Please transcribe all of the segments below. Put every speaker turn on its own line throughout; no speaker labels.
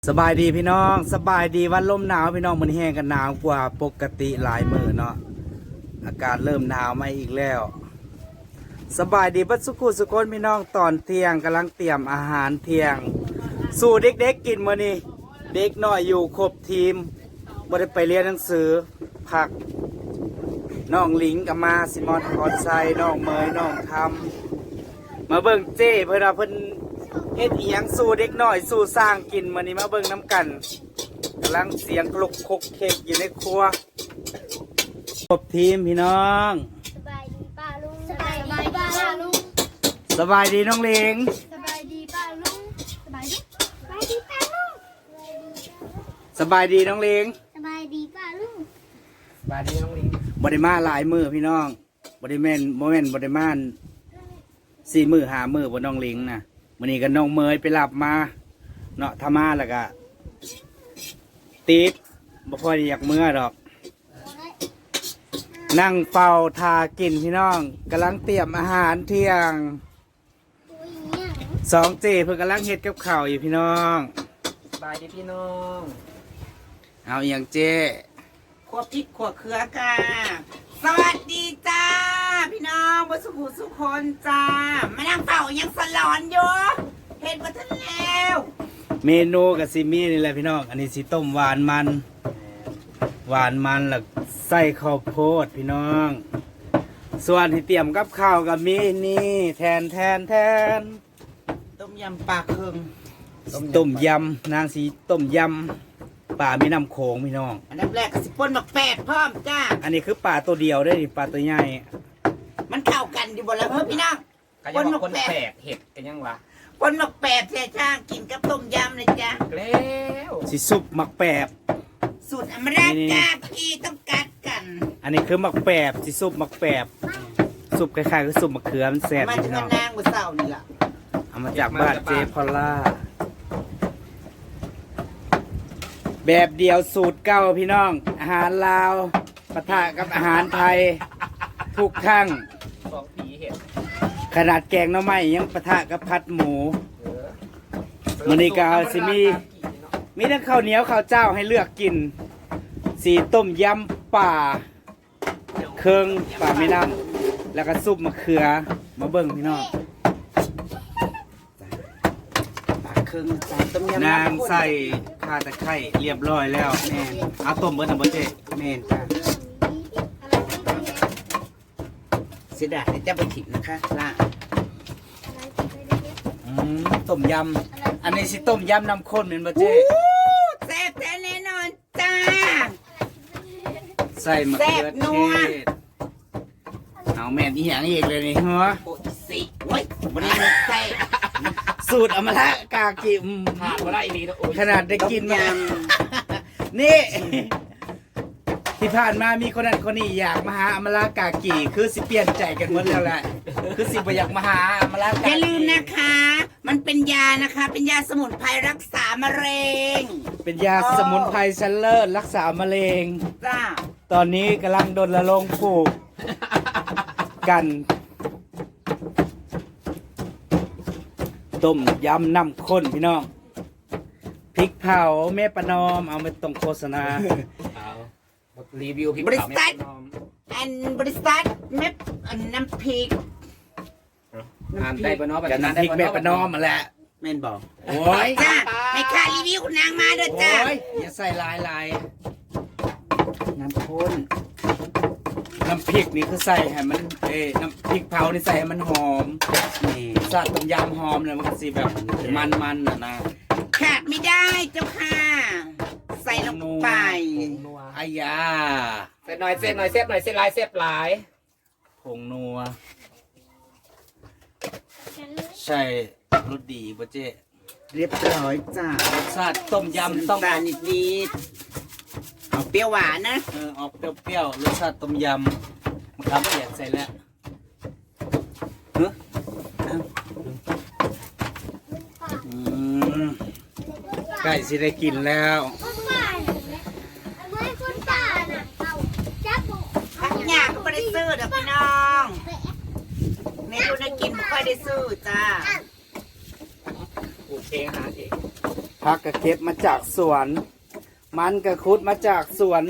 สบายดีพี่น้องสบายดีวันลมหนาวพี่น้องมันแห้งกันหนาวกว่าปกติหลายมื้อเนาะอากาศเริ่มหนาวมาอีกแล้วสบายดีบัดสุขุสุคนพี่น้องตอนเที่ยงกำลังเตรียมอาหารเที่ยงสู่เด็กๆกินมื้อนี้เด็กน้อยอยู่ครบทีมบ่ได้ไปเรียนหนังสือพักน้องหลิงกับมาซิมอนคอนไซน้องเมยน้องทำมาเบิ่งเจ้เพิ่นว่าเพิ่นเฮ็ดอีหยังสู่เด็กน้อยสู่สร้างกินมื้อนี้มาเบิ่งน้ำกันกำลังเสียงคลุกคกเค้กอยู่ในครัวครบทีมพี่น้อง
สบายดีป้าลุงสบายดีป้าลุง
สบายดีน้องเล้ง
สบายดีป้าลุงสบายดีป้าลุง
สบายดีน้องเล้ง
สบายดีป้าลุง
สบายดีน้องเล้งบ่ได้มาหลายมื้อพี่น้องบ่ได้แม่นบ่ได้มา4 มื้อ5 มื้อบ่น้องเล้งน่ะมื้อนี้ก็น้องเมยไปรับมาเนาะถ้ามาแล้วก็ติดบ่ค่อยอยากมื้อดอกนั่งเฝ้าทากินพี่น้องกำลังเตรียมอาหารเที่ยง2 เจเพิ่นกำลังเฮ็ดกับข้าวอยู่พี่น้อง
สบายดีพี่น้อง
เอาอหย่างเจ
ขวบพริกขวบเขือกาสวัสดีจ้าพี่น้องบุษบุสุคนจ้ามานั่งเฝ้ายังสลอนอยู่เห็นมาทันแล้ว
เมนูกับซิมี่นี่แหละพี่น้องอันนี้สิต้มหวานมันแล้วใส่ข้าวโพดพี่น้องส่วนที่เตรียมกับข้าวกับมีนี่แทน
ต้มยำปลาเคือง
ต้มยำนางสีต้มยำป่ามีน้ำโขงพี่น้อง
อันดับแรกก็สิป่นหมักแปดพร้อมจ้า
อันนี้คือป่าตัวเดียวได้ดิป่าตัวใหญ่
มันเข้ากันอยู่บนแล้วเฮ้ยพี่น้อง
ก็ยังบอกคนแปลกเห็ดกันยังวะ
ป่นหมักแปดเสียช่างกินกับต้มยำเลยจ้า
แล้ว
สิซุปหมักแปบ
สูตรอเมริกาพี่ต้องกัดกัน
อันนี้คือหมักแปบสิซุปหมักแปบซุปคล้ายๆคือซุปมะเขือมันแซ่บ
มา
อยู่
ถึง
พี่น้อง
นางบนเสานี่แหละ
เอามาจากบ้านเจพอลล่าแบบเดียวสูตรเก้าพี่น้อง อาหารลาวปะทะกับอาหารไทยทุกครั้ง
สองผีเห็ด
ขนาดแกงหน่อไม้ยังปะทะกับผัดหมู
เออ
มื้อนี้ก็สิมีทั้งข้าวเหนียวข้าวเจ้าให้เลือกกิน สีต้มยำป่าเครื่องป่าแม่น้ำแล้วก็ซุปมะเขือมาเบิ่งพี่น้อง
ปลาเคืองจ้าต้มยำ
นางใส่ข่าตะไคร้เรียบร้อยแล้วแม่เอาต้มเบิดน่ะบ่เจ๊
แม่นจ้าเสียดายจะไปถิ่นนะคะล่ะ
ต้มยำอันนี้สิต้มยำน้ำข้นแม่นบ่เจ๊
แซ่บแท้แน่นอนจ้า
ใส่มะเขือ
แซ่บนั
เท
ว
ศเอาแม่นอีหยังอีกเลยนี่ฮะ
โอ้ยสิโอ้ยบริเวณใส่
สูตรอมละกากิม
ขาดว่าได้อีนีนะโอ้ย
ขนาดได้กินมานี่ ที่ผ่านมามีคนนั้นคนนี้อยากมาหาอมละกากีคือสิเปลี่ยนใจกันหมดแล้วแหละคือสิบ่อยากมาหาอมละกา
อ
กี
ย่าลืมนะคะ มันเป็นยานะคะ เป็นยาสมุนไพรรักษามะเร็ง
เป็นยาสมุนไพรชั้นเลิศรักษามะเร็ง
จ้า
ตอนนี้กำลังรณรงค์ปลูกกันต้มยำน้ำข้นพี่น้องพริกเผาแม่ประนอมเอาไปตรงโฆษณา
เอารีวิวพี่
บริ
สาว
ษัท
แม่น้อง
อันบริษัทเม็ดอันน้ำพริก
อ่านได้ปะเนาะ
กันน้ำพริกแม่ประนอมมาแหละ
แม่นบอก
โอ้ย
จ้าให้ค่ารีวิวคุณนางมาเด้อ
โอ้
จ้าย
อย่าใส่ลาย
น้ำข้น
น้ำพริกนี่คือใส่ให้มันน้ำพริกเผานี่ใส่ให้มันหอม
นี่
ซาต้มยำหอมเลยมันก็สิแบบมันๆน่ะนะ
ขาดไม่ได้เจ้าค่ะ ใส่ลงไป
นัว
อายา
เส้นหน่อยเส้นหน่อยเส้นหน่อยเส้นลายเส้นหลาย
ผงนัวใช่รสดีป่ะเจ๊
เรียบร้อยจ้าร
สชาติต้มยำต้อง
ตาลนิดๆเอาเปรี้ยวหวานนะ
ออกเปรี้ยวๆรสชาติต้มยำมะขามเปียกใส่แล้วเฮ้ยใกล้สิได้กินแล้ว
พักยาก็ไม่ได้ซื้อเด้อพี่น้องเมนูน่ากินไม่ค่อยได้ซื้อจ้า
กูเองหาเอง
ผักกระเก็บมาจากสวน มันกระคุดมาจากสวน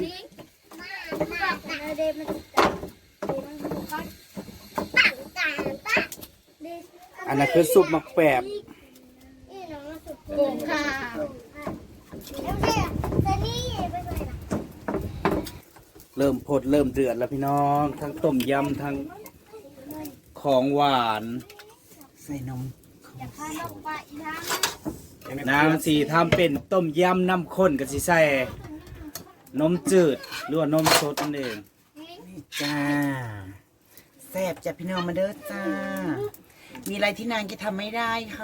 อันนั้นคือซุปหมักแปบ
โกงข้าว
เริ่มพดเริ่มเดือดแล้วพี่น้อง ทั้งต้มยำทั้งของหวาน
ใส่นม
น้ำสีทำเป็นต้มยำน้ำข้นกับสีใส่นมจืดหรือว่านมสดนั่นเอง
จ้าแซ่บจ้ะพี่น้องมาเด้อจ้า มีอะไรที่นางจะทำไม่ได้ค่ะ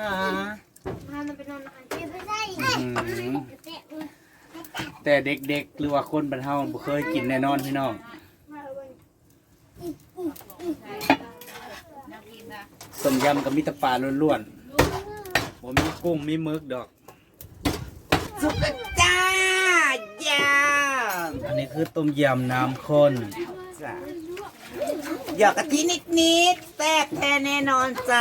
อืมแต่เด็กๆหรือว่าคนบรรเทาบ่เคยกินแน่นอนพี่น้องต้มยำกับมิตรปลาล้วนๆผมมีกุ้งมีหมึกดอก
สุกแล้วจ้าย่า
อันนี้คือต้มยำน้ำข้น
จ้าหยอกกะทินิดๆแซ่บแท้แน่นอนจ้า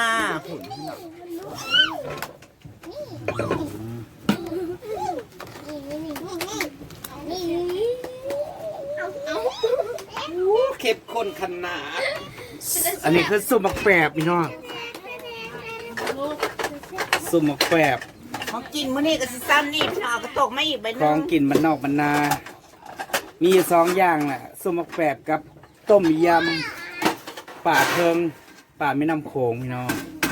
เข้มข้นขนาด
อันนี้คือซุปหมักแปบพี่น้องซุปหมักแปบ
ของกินมื้อนี้ก็สิซ้ำนี่พี่น้องเอากระตกมาอีกใบห
ข
นึ
อง
ง
กินมันนอกมันนา มีอยู่2อย่างแหละซุปหมักแปบกับต้มยำป่าเทิงป่าแม่น้ำโขงพี่น้อง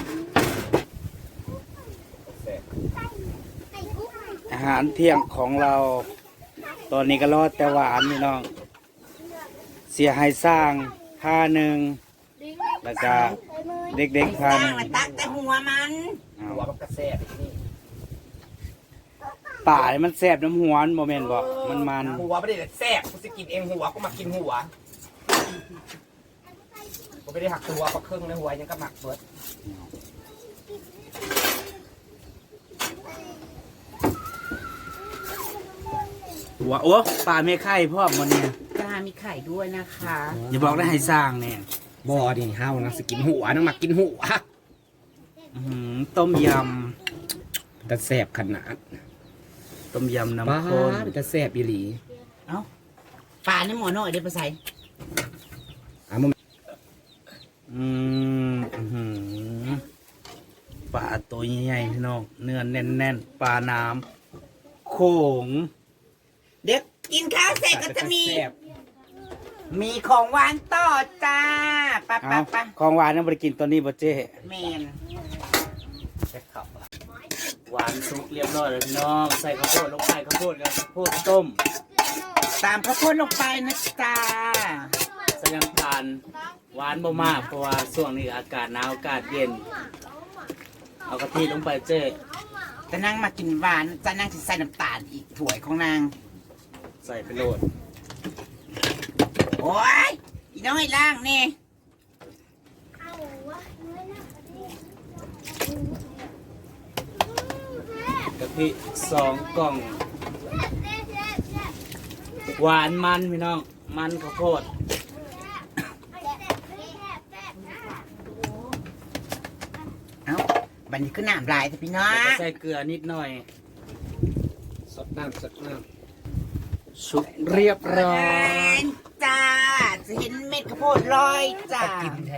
อาหารเที่ยงของเรา ตอนนี้ก็รอดแต่หวานพี่น้อง เสียหายสร้างผ้าหนึ่งแล้วก็เด็กๆ
สร้า
ผ้าง หนึ่ง
มาตักแต่หัวมัน
หัวมันกระแซ่บนี่
ป่านี่มันแสบน้ำหัวมันโมเมนต์บอกมัน
หัวไม่ได้แซ่บกูจะกินเองหัวก็มากินหัวกูไม่ได้หักตัวก็ครึ่งในหัวยังก็หมักเบิด
หัวโอ้ป่าไม่ไข่พ่อมันเนี่ย
จ้ามีไข่ด้วยนะคะ
อย่าบอกได้ให้สร้างเนี่ย
บ่ดิเฮานะสกินหัวนะหมักกินหัว
ต้มย
แต่แซ่บขนาด
ำต้มยำ
บ้า
น้ำข้น
แต่แซ่บอีหลี
เอ้าปลาในหม้อน้อยเดี๋ยวไปใส่
อ่ะมึง
อืมอื้อหือปลาตัวใหญ่ๆพี่น้องเนื้อแน่นๆปลาน้ำโขง
เดี๋ยวกินข้าวเสร็จก็จะมี
แซ่บ
มีของหวานต่อจ้าไปะ
เอา
ปะปะ
ของหวานนั่นบริกินตัวนี้บ่เจ้
แมน
แซ่บขับ
หวานสุกเรียบร้อยแล้วพี่น้องใส่ข้าวโพดลงไปข้าวโพดกับข้าวโพดต้ม
ตามข้าวโพดลงไปนะจ้า
ใส่น้ำตาลหวานบ่มากเพราะว่าช่วงนี้อากาศหนาวอากาศเย็น เอากะทิลงไปเจ้
จะนั่งมากินหวานจะนั่งจะใส่น้ำตาลอีกถ้วยของนาง
ใส่ไปโหลด
โอ้ยอีน้อยล่างนี่
กะทิ2 กล่อง หวานมันพี่น้องมันข้าวโพด
เอ้าบันนี้คือน้ำลายแต่พี่น้อ
แล้วก็
ง
ใส่เกลือนิดหน่อย
สดน้ำสดน้
สุกเรียบร้อย
จ้าจะเห็นเม็ดข้าวโพดลอยจ้า
ำกินแท้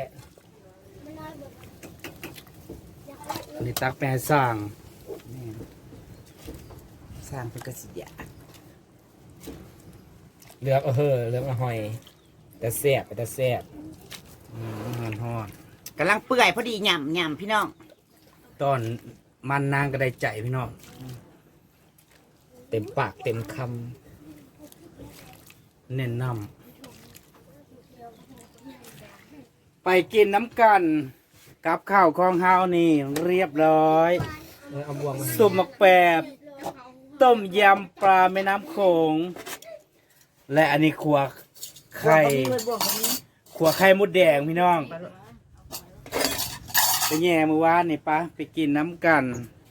อันนี้ตักไปให้สร้าง
สร้างเป็นกระสิยา
เลือกเอาเฮ้อเลือกเอาหอย แต่แซ่บแต่แซ่บ
ฮอน
กำลังเปื่อยพอดีหย่ำหย่ำพี่น้อง
ตอนมันนางก็ได้ใจพี่น้อง
เต็มปากเต็มค
เน้นนำไปกินน้ำกันกับข้าวของเฮานี่เรียบร้อย
ำเอาบวงมา
สุปหมักแปบต้มยำปลาแม่น้ำโขง และอันนี้ขัวไข่ขัวไข่มดแดงพี่น้องไปแย่มือวานนี่ปะไปกินน้ำกัน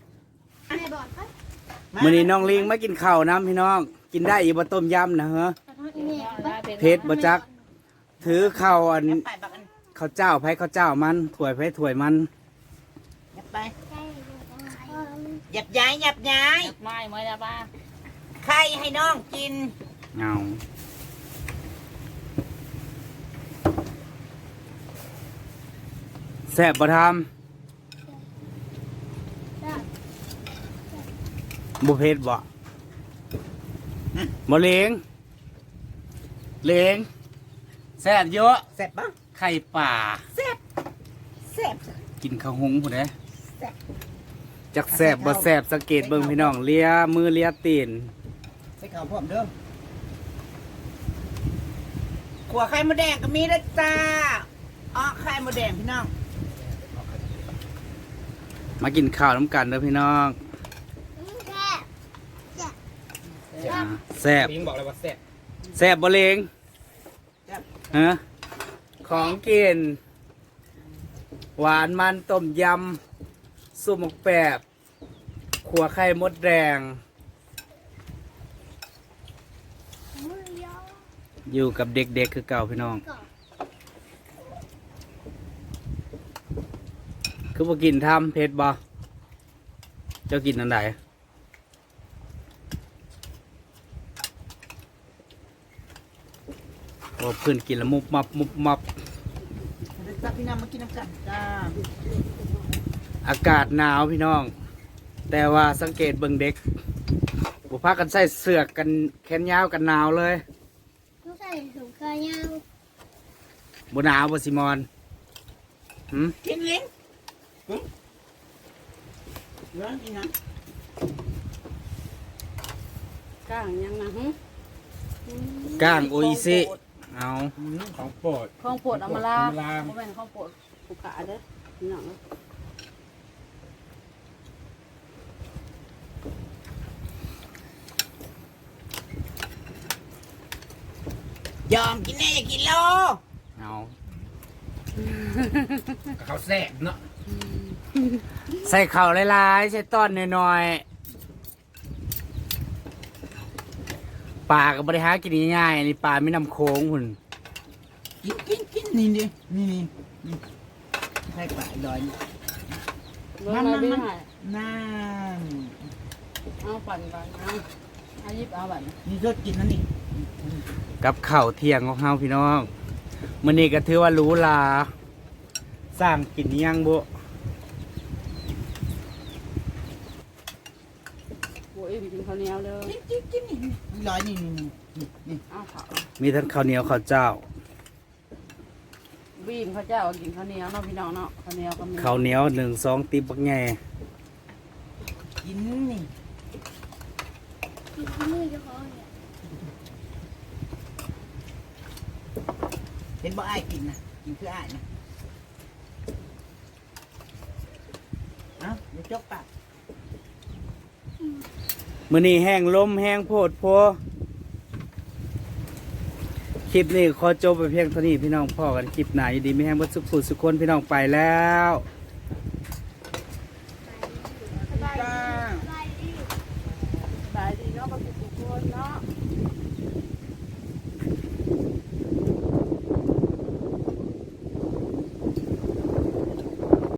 มื้อนี้น้องลิงมากินข้าวน้ำพี่น้อง กินได้อีกบ่ต้มยำนะเหรอเพชรบ่จัก ถือข้าวอัน
ไปบักอัน
ข้าวเจ้าไผข้าวเจ้ามันถ้วยไผถ้วยมัน
ยับไปหยับย้ายหยับย้าย
ไม่ไม่ละบ้า
ใครให้น้องกิน
เอาแซ่บบ่ทำบุเพชรบ่บ่เล้งเล้งแซ่บเยอะ
แซ่บปะ
ไข่ป่า
แซ่บแซ่บ
กินข้าวหุงผู้ใด
แซ่บ
จักแซ่บบ่แซ่บสังเกตเบิ่งพี่น้องเลียมือเลียตีน
ใส่ข้าวพร้อมเด้อขัวไข่มดแดงก็มีนะจ้าอ๋อไข่มดแดงพี่น้อง
มากินข้าวน้ำกันเด้อพี่น้องอ่าแซ่บ
พิงบอกเลยว่าแซ่บ
แซ่บบ่เล้ง
แซ่บ
ฮะของกิน หวานมันต้มยำซุปหมกแปบขัวไข่มดแดง อยู่กับเด็กๆคือเก่าพี่น้อง คือบ่กินทำเผ็ดบ่เจ้ากินอันใดโอ้เพื่อนกินแล้วมุบมับมุบมับ
เดี๋ยวจ้าพี่น้องมากินน้ำกันจ้า
อากาศหนาวพี่น้อง แต่ว่าสังเกตเบิ่งเด็กบุพากันใส่เสื้อกันแขนยาวกันหนาวเลย
ต้องใส่ถุงขายาว
บ่หนาวบ่ซิมอนหืม
กินลิ้นร้อนจริงนะ
ก้างยังนะฮึ
ก้างโออิซิเอา
ของโปรด
ข้องปวดเอามาลา
เอามาลา
เพราะเป็นข้องปวดผูกขาเด้อพี่น้อง
ยอมกินแน่อย่ากินโล
เอา
เขาแซ่บเนาะ
ใส่ข้าวหลายๆใส่ต้อนน้อยๆปลาก็บ่ได้หากินง่ายๆอันนี้ปลาไม่น้ำโค้งหุ่น
กินนี่ดินี่ให้ปลาลอย
มันมันมัน
นั่น
เอาปั่นก่อนเอายิบเอาบัตร
นี่รสกินนั่นนี่
กับข้าวเที่ยงของเฮาพี่น้องมื้อนี้ก็ถือว่าหรูหราสร้างกินอิหยังบ่
โอ้ยกินข้าวเหนียวเด้อ
กินนี่ลอยนี่นี่
เอาข้าว
มีทั้งข้าวเหนียวข้าวเจ้า
บีมข้าวเจ้ากินข้าวเหนียวเนาะพี่น้องเนาะข้าวเหนียวก็มี
ข้าวเหนียว1 2ติบบักแง่
กินนี่เห็นบ่อ้ายกินนะกินคืออ้ายนะเอ้าเดี๋ยวจกปาก
มื้อนี้แห้งลมแห้งโพดโพคลิปนี้ขอจบไปเพียงเท่านี้พี่น้องพ่อกันคลิปหน้าอยู่ดีไม่แห้งบ่สุขสุขคนพี่น้องไปแล้ว
จ้า
บายดีเนาะบางทีทุกคนเนาะ